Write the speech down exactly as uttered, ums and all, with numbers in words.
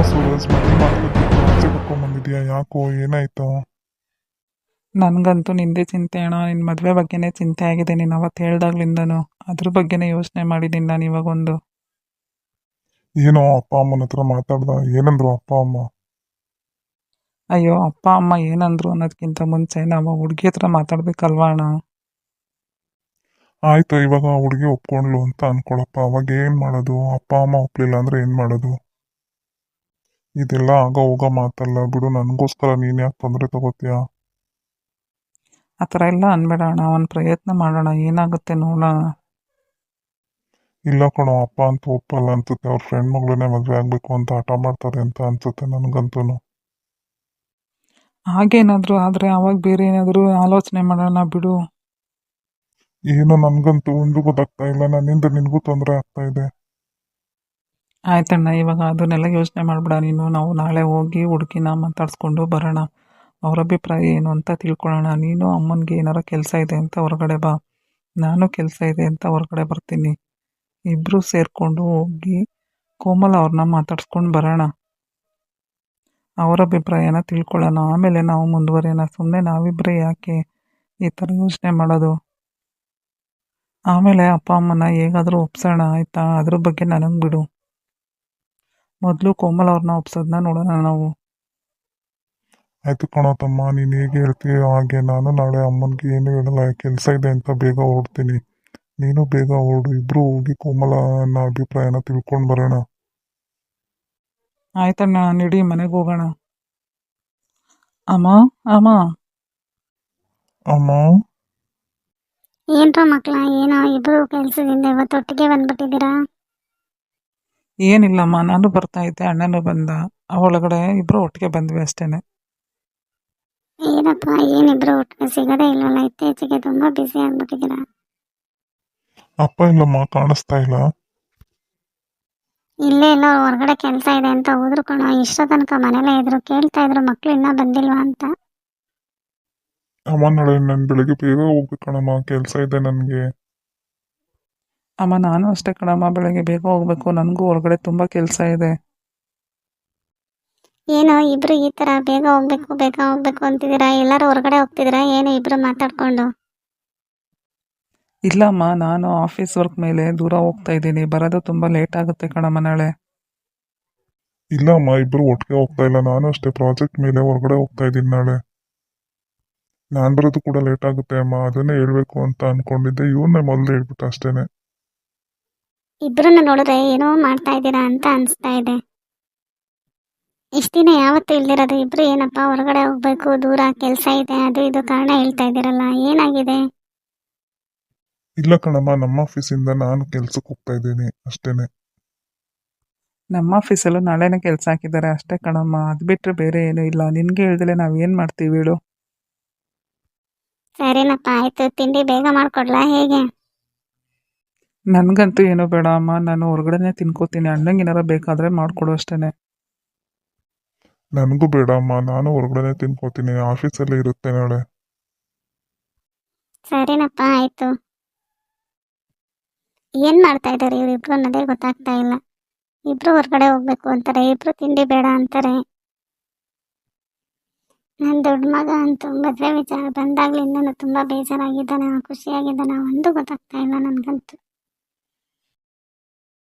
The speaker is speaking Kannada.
ಸೂರಜ್ ಮದುವೆ ಮಾಡ್ಕೊತಿದ್ದು ಆಚೆ ಕರ್ಕೊಂಬಂದಿದ್ಯಾ? ಯಾಕೋ ಏನಾಯ್ತು? ನನಗಂತೂ ನಿಂದೇ ಚಿಂತೆ ಅಣ್ಣ. ನಿನ್ನ ಮದುವೆ ಬಗ್ಗೆನೇ ಚಿಂತೆ ಆಗಿದೆ. ನೀನು ಅವತ್ತು ಹೇಳ್ದಾಗ್ಲಿಂದನೂ ಅದ್ರ ಬಗ್ಗೆನೇ ಯೋಚನೆ ಮಾಡಿದ್ದೀನಿ ನಾನು ಇವಾಗೊಂದು. ಏನೋ ಅಪ್ಪ ಅಮ್ಮನ ಹತ್ರ ಮಾತಾಡ್ದ? ಏನಂದ್ರು ಅಪ್ಪ ಅಮ್ಮ? ಅಯ್ಯೋ, ಅಪ್ಪ ಅಮ್ಮ ಏನಂದ್ರು ಅನ್ನೋದಕ್ಕಿಂತ ಮುಂಚೆ ನಾವು ಹುಡುಗಿ ಹತ್ರ ಮಾತಾಡ್ಬೇಕಲ್ವಾ ಅಣ್ಣ. ಆಯ್ತು, ಇವಾಗ ಹುಡುಗಿ ಒಪ್ಕೊಂಡ್ಲು ಅಂತ ಅನ್ಕೊಳಪ್ಪ. ಅವಾಗ ಏನ್ ಮಾಡೋದು? ಅಪ್ಪ ಅಮ್ಮ ಒಪ್ಲಿಲ್ಲ ಅಂದ್ರೆ ಏನ್ ಮಾಡೋದು? ಇದೆಲ್ಲ ಆಗ ಹೋಗೋ ಮಾತಲ್ಲ ಬಿಡು. ನನಗೋಸ್ಕರ ನೀನ್ ಯಾಕೆ ತೊಂದರೆ ತಗೋತೀಯ? ಆ ಥರ ಎಲ್ಲ ಅನ್ಬೇಡ ಅಣ್ಣ. ಒಂದು ಪ್ರಯತ್ನ ಮಾಡೋಣ, ಏನಾಗುತ್ತೆ ನೋಡೋಣ. ಇಲ್ಲ ಕಣೋ, ಅಪ್ಪ ಅಂತ ಒಪ್ಪಲ್ಲ ಅನ್ಸುತ್ತೆ. ಅವ್ರ ಫ್ರೆಂಡ್ ಮಗಳನ್ನೇ ಮದುವೆ ಆಗ್ಬೇಕು ಅಂತ ಹಠ ಮಾಡ್ತಾರೆ ಅಂತ ಅನ್ಸುತ್ತೆ ನನಗಂತೂ. ಹಾಗೇನಾದರೂ ಆದರೆ ಅವಾಗ ಬೇರೆ ಏನಾದರೂ ಆಲೋಚನೆ ಮಾಡೋಣ ಬಿಡು. ಏನೋ ನನ್ಗಂತೂ ಒಂದು ಗೊತ್ತಾಗ್ತಾ ಇಲ್ಲ. ನನ್ನಿಂದ ನಿನಗೂ ತೊಂದರೆ ಆಗ್ತಾ ಇದೆ. ಆಯ್ತಣ್ಣ, ಇವಾಗ ಅದನ್ನೆಲ್ಲ ಯೋಚನೆ ಮಾಡಬೇಡ ನೀನು. ನಾವು ನಾಳೆ ಹೋಗಿ ಹುಡುಗಿನ ಮಾತಾಡಿಸ್ಕೊಂಡು ಬರೋಣ. ಅವ್ರ ಅಭಿಪ್ರಾಯ ಏನು ಅಂತ ತಿಳ್ಕೊಳ್ಳೋಣ. ನೀನು ಅಮ್ಮನಿಗೆ ಏನಾರ ಕೆಲಸ ಇದೆ ಅಂತ ಹೊರಗಡೆ ಬಾ, ನಾನು ಕೆಲಸ ಇದೆ ಅಂತ ಹೊರಗಡೆ ಬರ್ತೀನಿ. ಇಬ್ಬರು ಸೇರಿಕೊಂಡು ಹೋಗಿ ಕೋಮಲ ಅವ್ರನ್ನ ಮಾತಾಡ್ಸ್ಕೊಂಡು ಬರೋಣ. ಅವರ ಅಭಿಪ್ರಾಯನ ತಿಳ್ಕೊಳ್ಳೋಣ. ಆಮೇಲೆ ನಾವು ಮುಂದುವರಿಯೋಣ. ಸುಮ್ಮನೆ ನಾವಿಬ್ಬರೇ ಯಾಕೆ ಈ ಥರ ಯೋಚನೆ ಮಾಡೋದು? ಆಮೇಲೆ ಅಪ್ಪ ಅಮ್ಮನ ಹೇಗಾದರೂ ಒಪ್ಸೋಣ, ಆಯಿತಾ? ಅದ್ರ ಬಗ್ಗೆ ನನಗೆ ಬಿಡು. ಮೊದಲು ಕೋಮಲ ಅವ್ರನ್ನ ಒಪ್ಸೋದನ್ನ ನೋಡೋಣ ನಾವು. ಆಯ್ತು ಕಣೋ ತಮ್ಮ, ನೀನು ಹೇಗೆ ಹೇಳ್ತೀಯೋ ಹಾಗೆ. ನಾನು ನಾಳೆ ಅಮ್ಮನಿಗೆ ಏನು ಹೇಳಲ್ಲ. ಕೆಲಸ ಇದೆ ಅಂತ ಬೇಗ ಹೊರಡ್ತೀನಿ. ನೀನು ಬೇಗ ಹೊರಡು. ಇಬ್ರು ಹೋಗಿ ಕೋಮಲನ ಅಭಿಪ್ರಾಯನ ತಿಳ್ಕೊಂಡು ಬರೋಣ. ಆಯ್ತಣ್ಣ, ನಡಿ ಮನೆಗೆ ಹೋಗೋಣ. ಅಮ್ಮ, ಅಮ್ಮ. ಅಮ್ಮ, ಏನ್ರ ಮಕ್ಳ, ಏನೋ ಇಬ್ರು ಕೆಲ್ಸದಿಂದ ಇವತ್ತು ಒಟ್ಟಿಗೆ ಬಂದ್ಬಿಟ್ಟಿದ್ದೀರಾ? ಏನಿಲ್ಲಮ್ಮ, ನಾನು ಬರ್ತಾ ಇದ್ದೆ, ಅಣ್ಣನೂ ಬಂದ. ಒಳಗಡೆ ಇಬ್ರು ಒಟ್ಟಿಗೆ ಬಂದ್ವಿ ಅಷ್ಟೇನೆ. ಏನಪ್ಪ, ಏನಿಬ್ರು ಒಟ್ಟಿಗೆ ಸಿಗೋದೇ ಇಲ್ವಲ್ಲ? ಇತ್ತೀಚೆಗೆ ತುಂಬಾ ಬ್ಯುಸಿ ಆಗ್ಬಿಟ್ಟಿದ್ದೀರಾ. ಅಪ್ಪ ಇಲ್ಲಮ್ಮ, ಕಾಣಿಸ್ತಾ ಇಲ್ಲ. ಇಲ್ಲೇ ಎಲ್ಲೋ ಹೊರಗಡೆ ಕೆಲಸ ಇದೆ ಅಂತ ಹೋದ್ರು ಕಣೋ. ಇಷ್ಟೋ ತನಕ ಮನೇಲೇ ಇದ್ರು. ಕೇಳ್ತಾ ಇದ್ರು ಮಕ್ಳು ಇನ್ನೂ ಬಂದಿಲ್ವಾ ಅಂತ. ಅಮ್ಮ, ನಾಳೆ ನಾನು ಬೆಳಿಗ್ಗೆ ಬೇಗ ಹೋಗ್ಬೇಕಣಮ್ಮ, ಕೆಲಸ ಇದೆ ನನಗೆ. ಅಮ್ಮ, ನಾನು ಅಷ್ಟೇ ಕಣಮ್ಮ, ಬೆಳಗ್ಗೆ ಬೇಗ ಹೋಗ್ಬೇಕು. ನನಗೂ ಹೊರಗಡೆ ತುಂಬ ಕೆಲಸ ಇದೆ. ಏನೋ ಇಬ್ರು ಈ ತರ ಬೇಗ ಹೋಗ್ಬೇಕು ಬೇಗ ಹೋಗ್ಬೇಕು ಅಂತಿದ್ದೀರಾ? ಎಲ್ಲರೂ ಹೊರಗಡೆ ಹೋಗ್ತಿದ್ದೀರಾ ಏನು ಇಬ್ರು ಮಾತಾಡ್ಕೊಂಡು? ಇಲ್ಲಮ್ಮ, ನಾನು ಆಫೀಸ್ ವರ್ಕ್ ಮೇಲೆ ದೂರ ಹೋಗ್ತಾ ಇದ್ದೀನಿ. ಬರೋದು ತುಂಬ ಲೇಟ್ ಆಗುತ್ತೆ ಕಣಮ್ಮ ನಾಳೆ. ಇಲ್ಲ ಅಮ್ಮ, ಇಬ್ರು ಒಟ್ಟಿಗೆ ಹೋಗ್ತಾ ಇಲ್ಲ. ನಾನು ಅಷ್ಟೇ ಪ್ರಾಜೆಕ್ಟ್ ಮೇಲೆ ಹೊರಗಡೆ ಹೋಗ್ತಾ ಇದ್ದೀನಿ ನಾಳೆ. ನಾನು ಬರೋದು ಕೂಡ ಲೇಟ್ ಆಗುತ್ತೆ ಅಮ್ಮ. ಅದನ್ನೇ ಹೇಳ್ಬೇಕು ಅಂತ ಅನ್ಕೊಂಡಿದ್ದೆ. ಇವನ್ನೇ ಮೊದಲು ಹೇಳ್ಬಿಟ್ಟು ಅಷ್ಟೇನೆ. ಇಬ್ರನ್ನ ನೋಡಿದ್ರೆ ಏನೋ ಮಾಡ್ತಾ ಇದ್ದೀರಾ ಅಂತ ಅನಿಸ್ತಾ ಇದೆ. ಇಷ್ಟ ದಿನ ಯಾವತ್ತೂ ಇಲ್ದಿರೋದು ಇಬ್ರು ಏನಪ್ಪ ಹೊರಗಡೆ ಹೋಗ್ಬೇಕು, ದೂರ ಕೆಲಸ ಇದೆ, ಅದು ಇದು ಕಾರಣ ಹೇಳ್ತಾ ಇದ್ದೀರಲ್ಲ, ಏನಾಗಿದೆ? ಇಲ್ಲ ಕಣಮ್ಮ, ನಮ್ಮ ಆಫೀಸಿಂದ ನಾನು ಕೆಲ್ಸಕ್ಕೆ ಹೋಗ್ತಾ ಇದ್ದೀನಿ ಅಷ್ಟೇನೆ. ನಮ್ಮ ಆಫೀಸಲ್ಲೂ ನಾಳೆನೇ ಕೆಲಸ ಹಾಕಿದ್ದಾರೆ ಅಷ್ಟೇ ಕಣಮ್ಮ. ಅದು ಬಿಟ್ಟರೆ ಬೇರೆ ಏನೂ ಇಲ್ಲ. ನಿನಗೆ ಹೇಳ್ದಲೆ ನಾವು ಏನು ಮಾಡ್ತೀವಿ ಹೇಳು? ಸರಿನಪ್ಪ, ಆಯ್ತು. ತಿಂಡಿ ಬೇಗ ಮಾಡ್ಕೊಡ್ಲಾ ಹೇಗೆ? ನನಗಂತೂ ಏನೂ ಬೇಡ ಅಮ್ಮ, ನಾನು ಹೊರಗಡೆನೇ ತಿನ್ಕೋತೀನಿ. ಅಣ್ಣಂಗೆ ಏನಾರ ಬೇಕಾದರೆ ಮಾಡಿಕೊಡು ಅಷ್ಟೇ. ನನಗೂ ಬೇಡ ಅಮ್ಮ, ನಾನು ಹೊರಗಡೆ ತಿನ್ಕೋತೀನಿ. ಆಫೀಸಲ್ಲೇ ಇರುತ್ತೆ ನಾಳೆ. ಸರಿನಪ್ಪ, ಆಯ್ತು. ಏನ್ ಮಾಡ್ತಾ ಇದ್ದಾರೆ ಇವರಿಬ್ರು ಅನ್ನೋದೇ ಗೊತ್ತಾಗ್ತಾ ಇಲ್ಲ. ಇಬ್ರು ಹೊರಗಡೆ ಹೋಗ್ಬೇಕು ಅಂತಾರೆ, ಇಬ್ರು ತಿಂಡಿ ಬೇಡ ಅಂತಾರೆ. ನನ್ನ ದೊಡ್ಡ ಮಗ ಅಂತೂ ಮದುವೆ ವಿಚಾರ ಬಂದಾಗ್ಲಿಂದನೂ ತುಂಬಾ ಬೇಜಾರಾಗಿದ್ದಾನೆ, ಖುಷಿಯಾಗಿದ್ದಾನೆ, ಒಂದು ಗೊತ್ತಾಗ್ತಾ ಇಲ್ಲ ನನಗಂತೂ.